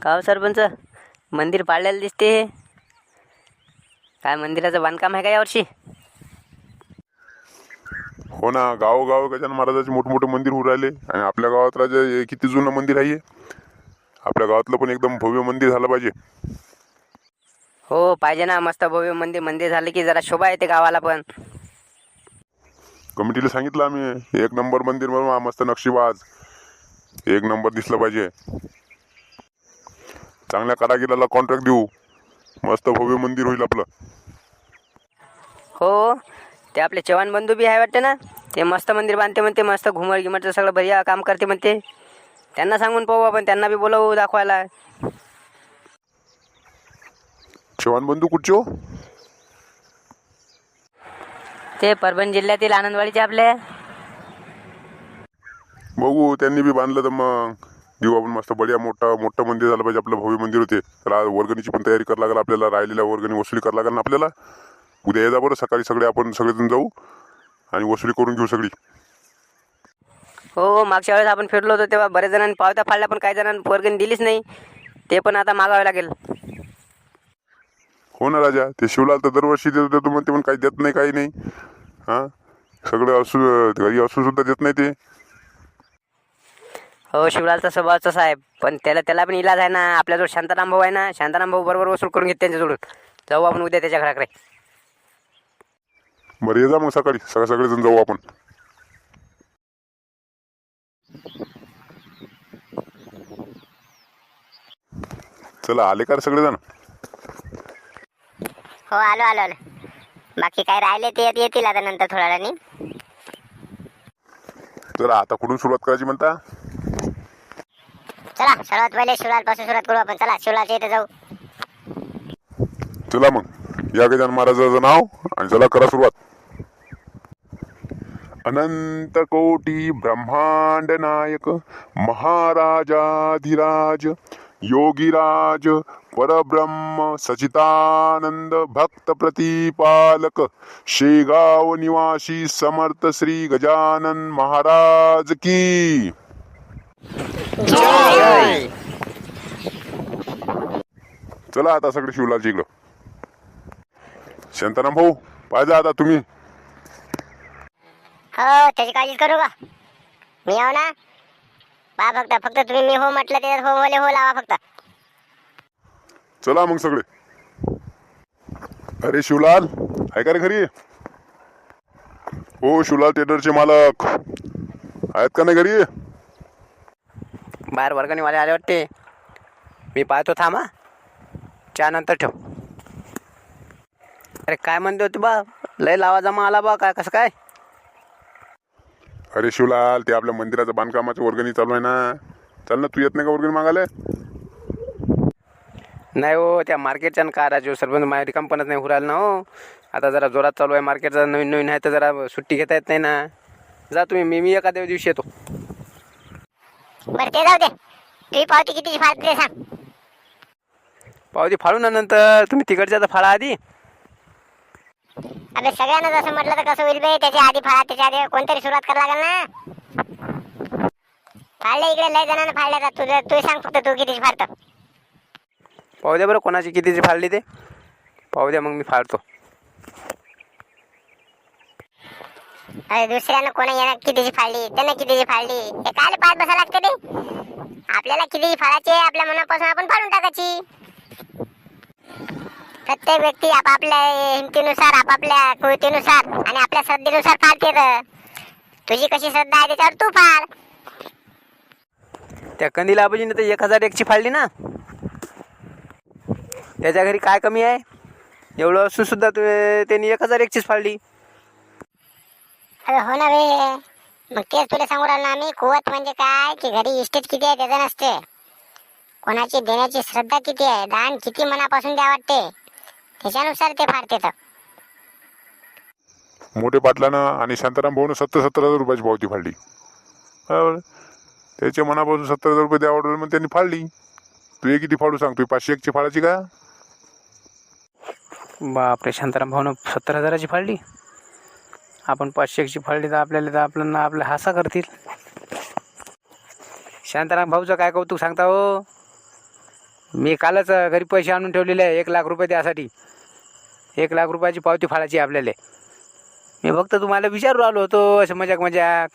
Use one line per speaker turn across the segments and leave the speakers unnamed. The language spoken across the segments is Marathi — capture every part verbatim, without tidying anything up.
का हो सरपंच, मंदिर पाडलेलं दिसते. काय मंदिराचं बांधकाम आहे का यावर्षी?
हो ना, गावोगाव गजानन महाराजाचे मोठमोठे मंदिर होऊ राहिले. आणि आपल्या गावात राजा हे किती जुनं मंदिर आहे. आपल्या गावातलं पण एकदम भव्य मंदिर झालं पाहिजे.
हो पाहिजे ना, मस्त भव्य मंदिर मंदिर झालं की जरा शोभा येते गावाला पण.
कमिटीला सांगितलं आम्ही, एक नंबर मंदिर बनवा, मस्त नक्षीबाज, एक नंबर दिसलं पाहिजे. चांगल्या कारागिराला कॉन्ट्रॅक्ट देऊ, मस्त भव्य मंदिर होईल आपलं.
हो, ते आपले चव्हाण बंधू बी आहे वाटते ना, ते मस्त मंदिर बांधते म्हणते, मस्त घुमट गिमटचं सगळं बढिया काम करते म्हणते. त्यांना सांगून पाहू आपण, त्यांना बी बोलावू दाखवायला.
चव्हाण बंधू कुठचे हो?
ते परभणी जिल्ह्यातील आनंदवाडीचे आपले.
बघू, त्यांनी बी बांधलं तर मग देऊ आपण मस्त बढिया मोठा मोठं मंदिर झालं पाहिजे आपलं, भव्य मंदिर होते. त्याला वर्गणीची पण तयारी करावं लागेल आपल्याला, राहिलेल्या वर्गणी वसुली करावं लागेल ना आपल्याला. उद्या येजा बरं, सकाळी सगळे आपण सगळेजण जाऊ आणि वसुली करून घेऊ सगळी.
हो, मागच्या वेळेस आपण फिरलो होतो तेव्हा बरेच जणांनी पावत्या फाडल्या, पण काही जणांनी वर्गणी दिलीच नाही. ते पण आता मागावे लागेल.
हो ना राजा, ते शिवलाल तर दरवर्षी देतो देतो म्हणते, पण काही देत नाही, काही नाही. हां, सगळं असू घरी असून सुद्धा देत नाही ते.
हो, शिवलालचा स्वभाव तसा आहे, पण त्याला त्याला पण इलाज आहे ना. आपल्याजवळ शांताराम भाऊ आहे ना, शांताराम भाऊ बरोबर वसूल करून घेत त्यांच्याजवळून. जाऊ आपण उद्या त्याच्या घराकडे.
बरं, ये जा मग सकाळी, सगळे सगळेजण जाऊ आपण. चला, आले का रे सगळेजण?
हो, आलो आलो आलो. बाकी काय राहिले ते येतील आता नंतर थोड्या वेळाने.
चला, आता कुठून सुरुवात करायची म्हणता?
चला, सर्वात पहिले शिवलाल पासून सुरुवात करू आपण. चला, शिवलालच्या इथे जाऊ.
चला मग, या गजानन महाराजाचं नाव आणि चला करा सुरुवात. अनंत कोटी ब्रह्मांड नायक महाराजाधिराज योगीराज परब्रह्म सचितानंद भक्त प्रतिपालक शेगाव निवासी समर्थ श्री गजानन महाराज की
जय.
चला आता सगळे शिवलालची इकडं. शांताराम भाऊ, पाहिजे आता तुम्ही.
हो, त्याची काळजी करू का? मी आहो ना. पहा फक्त फक्त तुम्ही मी हो म्हटलं त्याच्यात हो बोले हो लावा फक्त.
चला मग सगळे. अरे शिवलाल, आहे का रे घरी? हो, शिवलाल टेडरचे मालक आहेत का नाही घरी?
बाहेर वर्गणीवाले आले वाटते, मी पाहतो. थांबा, चहा नंतर ठेव. अरे काय म्हणते होते बा, लय लावा जमा आला बा, काय कसं काय?
अरे शिवलाल, ते आपल्या मंदिराचं बांधकामाची वर्गणी चालू आहे ना. चल ना, तू येत नाही का वर्गणी मागायला?
नाही हो, त्या मार्केटच्या का राजू सरपंच माझ्या रिकामपणच नाही हुराल ना हो. आता जरा जोरात चालू आहे मार्केटचा, नवीन नवीन आहे तर जरा सुट्टी घेता येत नाही ना. जा तुम्ही, मी मी एखाद्या दिवशी येतो.
बरं, ते जाऊ दे. तुझी पावती कितीची फाळते ते सांग.
पावती फाळू ना नंतर, तुम्ही तिकडच्या तर फाळा आधी.
अबे, सगळ्यांना जसं म्हटलं तर कसं होईल बे? त्याच्या आधी फाळा, त्याच्या आधी कोणतरी सुरुवात करायला लागेल ना. फाळले इकडे लय जणांना फाळल्या जात. तुझं तू सांग फक्त, तू कितीची फाळतं.
पाहू द्या बरं, कोणाची कितीची फाळली ते पाहू द्या, मग मी फाळतो.
अरे, दुसऱ्यानं कोणा येणार कितीची फाळली, त्यानं कितीची फाळली, हे काय पाच बसा लागते ते? आपल्याला कितीची फाळाची आपल्या मनापासून आपण फाळून टाकायची. प्रत्येक व्यक्ती आपापल्या हिमतीनुसार, आपापल्या कृतीनुसार आणि आपल्या श्रद्धेनुसार फाळते. तुझी कशी श्रद्धा आहे त्याच्यावर तू फाळ.
त्या कंदीला आबाजीने तर एक हजार एकची फाळली ना. त्याच्या घरी काय कमी आहे? एवढं असून सुद्धा तू त्यांनी एक हजार एकचीच फाळली.
अरे हो ना बे, मग तेच तुला सांगू राहिलो ना आम्ही. कुवत म्हणजे काय की घरी इस्टेट किती आहे त्याचं नसते, कोणाची देण्याची श्रद्धा किती आहे, दान किती मनापासून द्या वाटते, त्याच्यानुसार ते फाडते. तर
मोठे पाटलानं आणि शांताराम भाऊनं सत्तर सत्तर हजार रुपयाची पावती फाडली. बरोबर, त्याच्या मनापासून सत्तर हजार रुपये द्या ऑर्डर, मग त्यांनी फाडली. तू हे किती फाडू सांग? तू पाचशे एकची फाडायची का?
बापरे, शांताराम भाऊनं सत्तर हजाराची फाळली, आपण पाचशे एकची फाळली तर आपल्याला तर आपल्याला आपल्या हासा करतील. शांताराम भाऊचं काय कौतुक सांगता हो. मी कालच अं, घरी पैसे आणून ठेवलेले आहे एक लाख रुपये त्यासाठी. एक लाख रुपयाची पावती फाडायची आहे आपल्याला. मी फक्त तुम्हाला विचारू आलो होतो असं मजाक मजाक.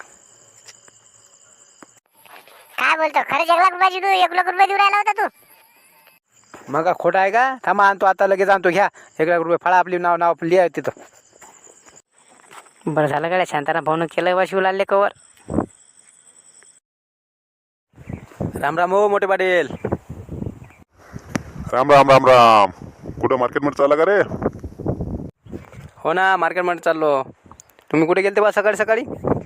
काय बोलतो खरंच एक लाख रुपयाची तू एक लाख रुपये देऊ राहिला होता तू?
मग का खोटं आहे का? थांबा आणतो आता लगेच आणतो. घ्या एक लाख रुपये फाळा. आपली नाव नाव लिहा तिथं.
बरं झालं गाड्या शांताराम भाऊनं केलं बा शिवलालले कवर.
राम राम हो मोठे पाटील.
राम राम राम राम. कुठं मार्केटमध्ये चालला का रे?
हो ना मार्केटमध्ये चाललो. तुम्ही कुठे गेलते बा सकाळी सकाळी?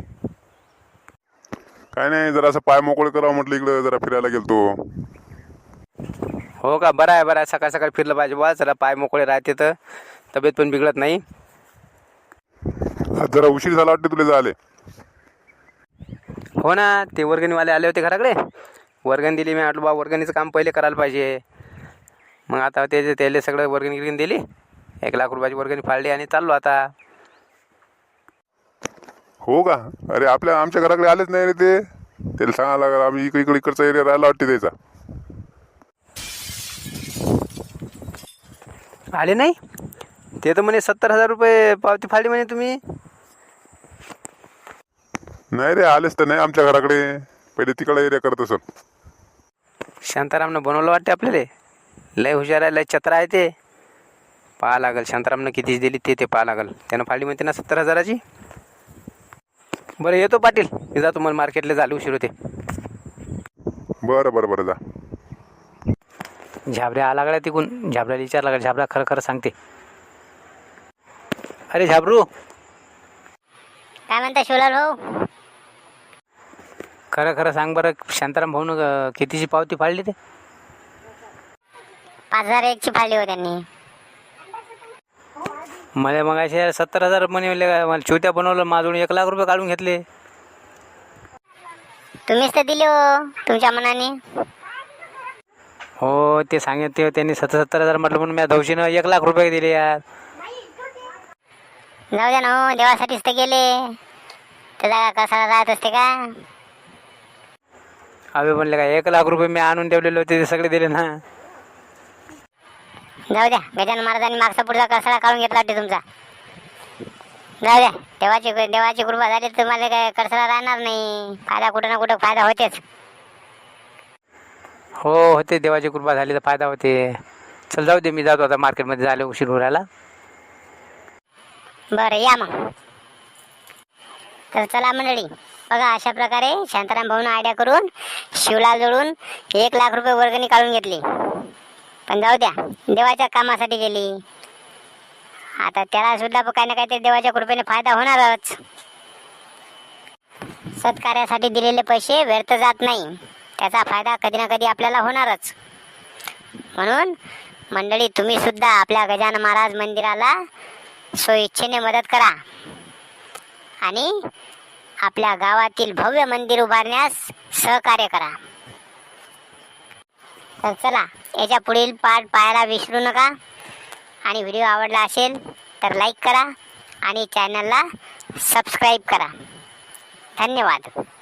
काय नाही, जरा असं पाय मोकळे करावं म्हटलं, इकडं जरा फिरायला गेलतो.
हो का? बरं आहे बरं आहे. सकाळ सकाळी फिरलं पाहिजे बा. जरा पाय मोकळे राहते तर तब्येत पण बिघडत नाही.
आज जरा उशीर झाला वाटते तुला झाले.
हो ना, ते वर्गणीवाले आले होते घराकडे. वर्गणी दिली. मी म्हटलं बा वर्गणीचं काम पहिले करायला पाहिजे. मग आता ते त्याला सगळं वर्गणी गिरगणी दिली. एक लाख रुपयाची वर्गणी फाळली आणि चाललो आता.
हो का? अरे आपल्या आमच्या घराकडे आलेच नाही रे ते. त्याला सांगायला लागलं, आम्ही इकडे इकडे इकडचा एरिया राहायला वाटते त्याचा.
आले नाही ते तर म्हणे सत्तर हजार रुपये पावती फाळली म्हणे तुम्ही.
नाही रे, आलेच तर नाही आमच्या घराकडे. पहिले तिकडे एरिया करत असत.
शांतारामनं बनवलं वाटते आपल्याला. लय हुशार आहे, लय चत्र आहे ते. पाहा लागल शांतारामनं किती दिली ते ते पाहा लागल. त्यानं फाळली म्हणते ना सत्तर हजाराची. बरं येतो पाटील. मी जातो, मला मार्केटला झाले उशीर होते.
बरं बरं बरं जा.
झाबऱ्या आला गड्या तिकून. झाबऱ्याला विचारला गड्या. झाबरा खरं खरं सांगते.
अरे झाबरू,
काय म्हणता शिवलाल भाऊ?
खरं खरं सांग बरं, शांताराम भाऊनं अं, कितीची पावती फाडली ते?
पाच हजार एकची फाळली हो त्यांनी.
मला मग असे सत्तर हजार म्हणे. मला छोट्या बनवलं माझून एक लाख रुपये काढून घेतले.
तुम्हीच तर दिले हो तुमच्या मनाने.
हो ते सांगितले ते त्यांनी सत्तर सत्तर हजार म्हटलं म्हणून मी धवशीनं एक लाख रुपये दिले यार.
जाऊ द्या ना हो, देवासाठीच तर गेले. त्याचा कसा राहत असते का?
अभि म्हणले का एक लाख रुपये मी आणून ठेवलेले होते ते सगळे दिले ना.
जाऊ द्या, गजानन महाराजांनी मागचा पुढचा कसाळा काढून घेतला वाटते तुमचा. जाऊ द्या, देवाची देवाची कृपा झाली तर तुम्हाला काय कसाळा राहणार नाही. फायदा कुठं ना कुठं फायदा होतेच.
हो होते, देवाची कृपा झाली तर फायदा होते. चल जाऊ दे, मी जातो आता मार्केटमध्ये. झाले उशीर उरायला.
बरं या मग. तर चला मंडळी, बघा अशा प्रकारे शांताराम भाऊनं आयडिया करून शिवलाल जोडून एक लाख रुपये वर्गणी काढून घेतली. पण जाऊ द्या, देवाच्या कामासाठी गेली. आता त्याला सुद्धा काही ना काहीतरी देवाच्या कृपेने फायदा होणारच. सत्कार्यासाठी दिलेले पैसे व्यर्थ जात नाही. त्याचा फायदा कधी ना कधी आपल्याला होणारच. म्हणून मंडळी, तुम्ही सुद्धा आपल्या गजानन महाराज मंदिराला स्वइच्छेने मदत करा आणि आपल्या गावातील भव्य मंदिर उभारण्यास सहकार्य करा. तर चला, याच्या पुढील पार्ट पाहायला विसरू नका. आणि व्हिडिओ आवडला असेल तर लाईक करा आणि चॅनलला सबस्क्राईब करा. धन्यवाद.